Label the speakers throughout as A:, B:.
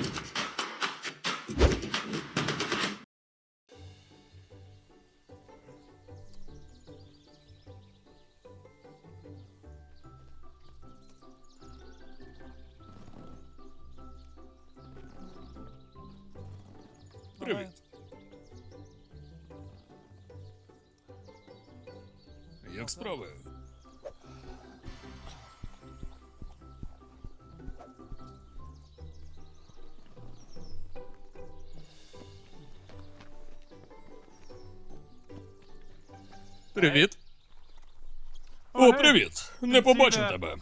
A: Привіт. Як справи? Привіт. О, привіт. Не побачив тебе.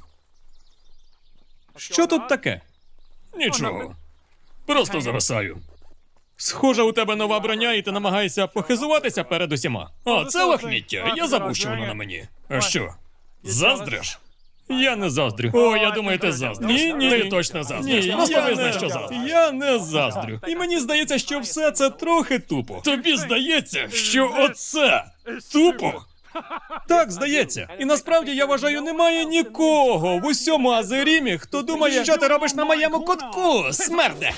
A: Що тут таке? Нічого. Просто зависаю. Схоже, у тебе нова броня, і ти намагаєшся похизуватися перед усіма. О, це лахміття. Я забув, що воно на мені. А що? Заздриш? Я не заздрю. О, я думаю, ти заздриш. Ні. Ти точно заздриш. Просто визнай, що заздриш. Я не заздрю. І мені здається, що все це трохи тупо. Тобі здається, що оце тупо? Так, здається. І насправді, я вважаю, немає нікого в усьому Азерімі, хто думає, що ти робиш на моєму кутку, смерде.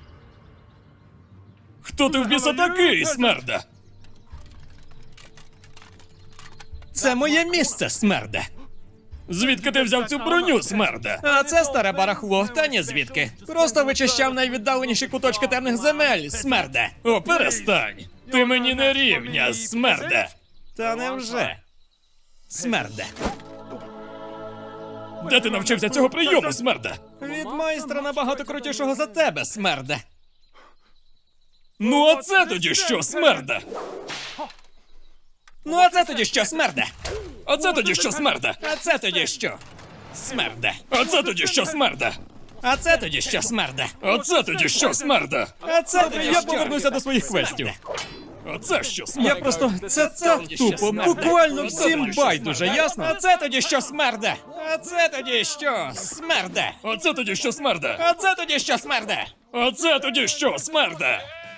A: Хто ти в біса такий, смерде? Це моє місце, смерде. Звідки ти взяв цю броню, смерде? А це старе барахло, та ні звідки. Просто вичищав найвіддаленіші куточки темних земель, смерде. О, перестань. Ти мені не рівня, смерде. Та невже? Смерде. Де ти навчився цього прийому, смерде? Від майстра набагато крутішого за тебе, смерде. Ну а це тоді що, смерде? Ну а це тоді що, смерде? А це тоді що, смерде? А це тоді що? Смерде. А це тоді що, смерде? А це тоді що, смерде? А це тоді що, смерде? А це тоді що? Я повернуся до своїх квестів. А це що, смерде? Я просто... Це так тупо, буквально всім байдуже, ясно? А це тоді що, смерде? А це тоді що, смерде? А це тоді що, смерде? А це тоді що, смерде? А це тоді що, смерде?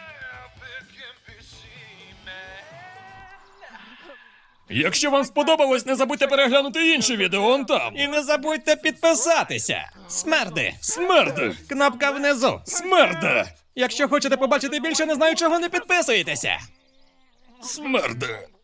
A: Якщо вам сподобалось, не забудьте переглянути інші відео он там. І не забудьте підписатися. Смерди. Смерди. Кнопка внизу. Смерди. Якщо хочете побачити більше, не знаю чого, не підписуєтеся. Смерди.